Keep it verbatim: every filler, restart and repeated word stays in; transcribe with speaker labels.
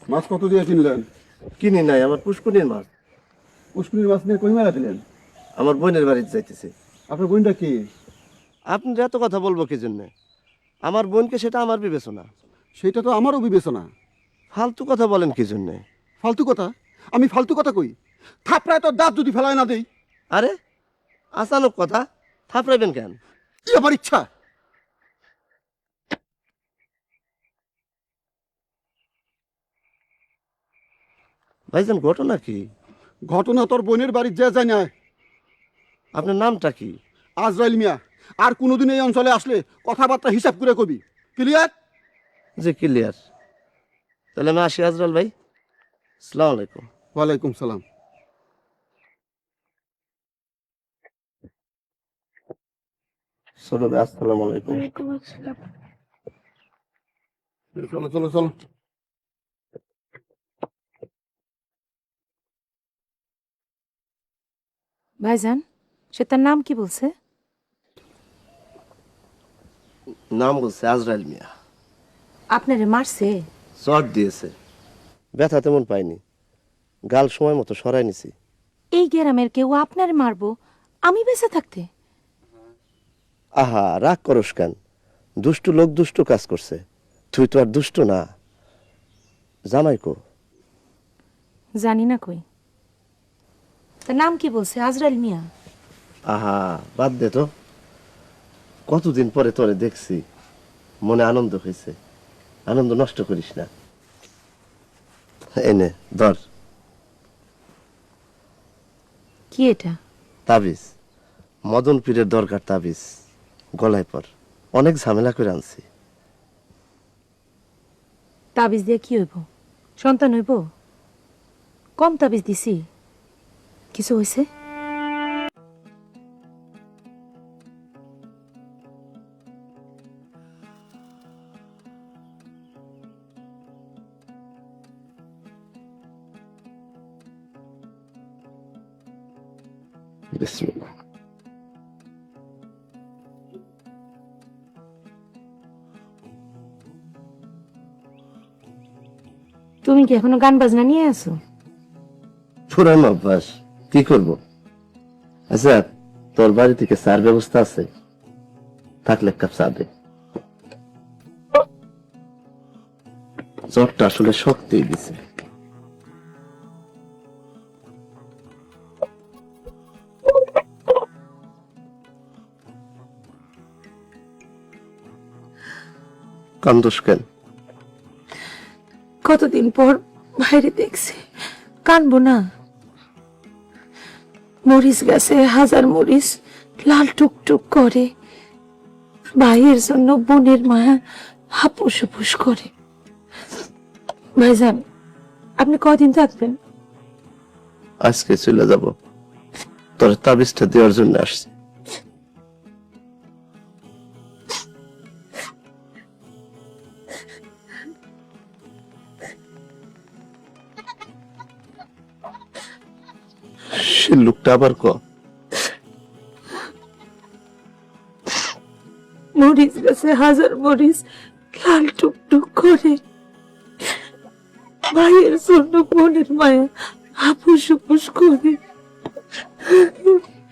Speaker 1: মাছ কত দিয়ে কিনলেন?
Speaker 2: কিনি নাই, আমার পুষ্কুনির মাছ।
Speaker 1: পুষ্কুনির মাছ নিয়ে কই মেলা দিলেন?
Speaker 2: আমার বোনের বাড়িতে যাইতেছে।
Speaker 1: আপনার বোনটা কি?
Speaker 2: আপনি এত কথা বলবো কি জন্যে? আমার বোনকে, সেটা আমার বিবেচনা।
Speaker 1: সেটা তো আমারও বিবেচনা।
Speaker 2: ফালতু কথা বলেন কি জন্যে?
Speaker 1: ফালতু কথা? আমি ফালতু কথা কই? থাপড়ায় তো দাঁত যদি ফেলায় না দেই।
Speaker 2: আরে আচানক কথা, থাপড়াইবেন কেন?
Speaker 1: কি আমার ইচ্ছা।
Speaker 2: ভাইজান, ঘটনা কি?
Speaker 1: ঘটনা তোর বোনের বাড়ির যে যায় না।
Speaker 2: আপনার নামটা কি?
Speaker 1: আজরাইল মিয়া। আর কোনোদিন এই অঞ্চলে আসলে কথাবার্তা হিসাব করে কবি। ক্লিয়ার?
Speaker 2: যে ক্লিয়ার। তাহলে আমি আসি আজরাল ভাই। আসসালামু আলাইকুম।
Speaker 1: ওয়ালাইকুম সালাম।
Speaker 2: ছোট ভাই, আসসালামু আলাইকুম।
Speaker 1: চলো চলো চলো।
Speaker 3: ভাইজান, সে তার নাম কি বলছে?
Speaker 2: নাম বলছে আজরাইল মিয়া।
Speaker 3: আপনারে মারছে?
Speaker 2: চট দিয়েছে, ব্যথা তেমন পাইনি। গাল সময় মতো সরাই নিছি।
Speaker 3: এই গ্রামের কেউ আপনারে মারবো আমি বেঁচে থাকতে?
Speaker 2: আহা, রাগ করস কেন? দুষ্ট লোক দুষ্ট কাজ করছে, তুই তো আর দুষ্ট না। জামাই কো?
Speaker 3: জানি না কই। তার নাম কি বলছে? আজরাইল মিয়া?
Speaker 2: আহা, বাদ দে তো। কতদিন পরে তোরে দেখছি, মনে আনন্দ হয়েছে। আনন্দ নষ্ট করিস না। এনে ধর।
Speaker 3: কি এটা?
Speaker 2: তাবিজ। মদন পীরের দরকার তাবিজ। গলায় পর। অনেক ঝামেলা করে আনছি।
Speaker 3: তাবিজ দিয়ে কি হইব? সন্তান হইব? কম তাবিজ দিছি, কিছু হয়েছে?
Speaker 2: বিসমিল্লাহ।
Speaker 3: তুমি কি এখনো গান বাজনা নিয়ে আছো?
Speaker 2: পুরানো অভ্যাস, কি করব। আচ্ছা, তোর বাড়ি থেকে চার ব্যবস্থা আছে? থাকলে এক কাপ চা দে। জ্বরটা আসলে শক্তি দিছে। কান্দোস কেন?
Speaker 3: কতদিন পর বাইরে দেখছি, কানবো না? মরিচ গাছে হাজার মরিচ লাল টুকটুক করে, ভাইয়ের জন্য বোনের মায়া হাপুস হুপুস করে। ভাইজান, আপনি কদিন থাকবেন?
Speaker 2: আজকে চলে যাব। তোর তাবিজটা দেওয়ার জন্য আসছি। সে লোকটা আবার ক?
Speaker 3: মরিচ গাছে হাজার মরিচ লাল টুকটুক করে, ভাইয়ের জন্য বোনের মায়া হাপুস হুপুস করে।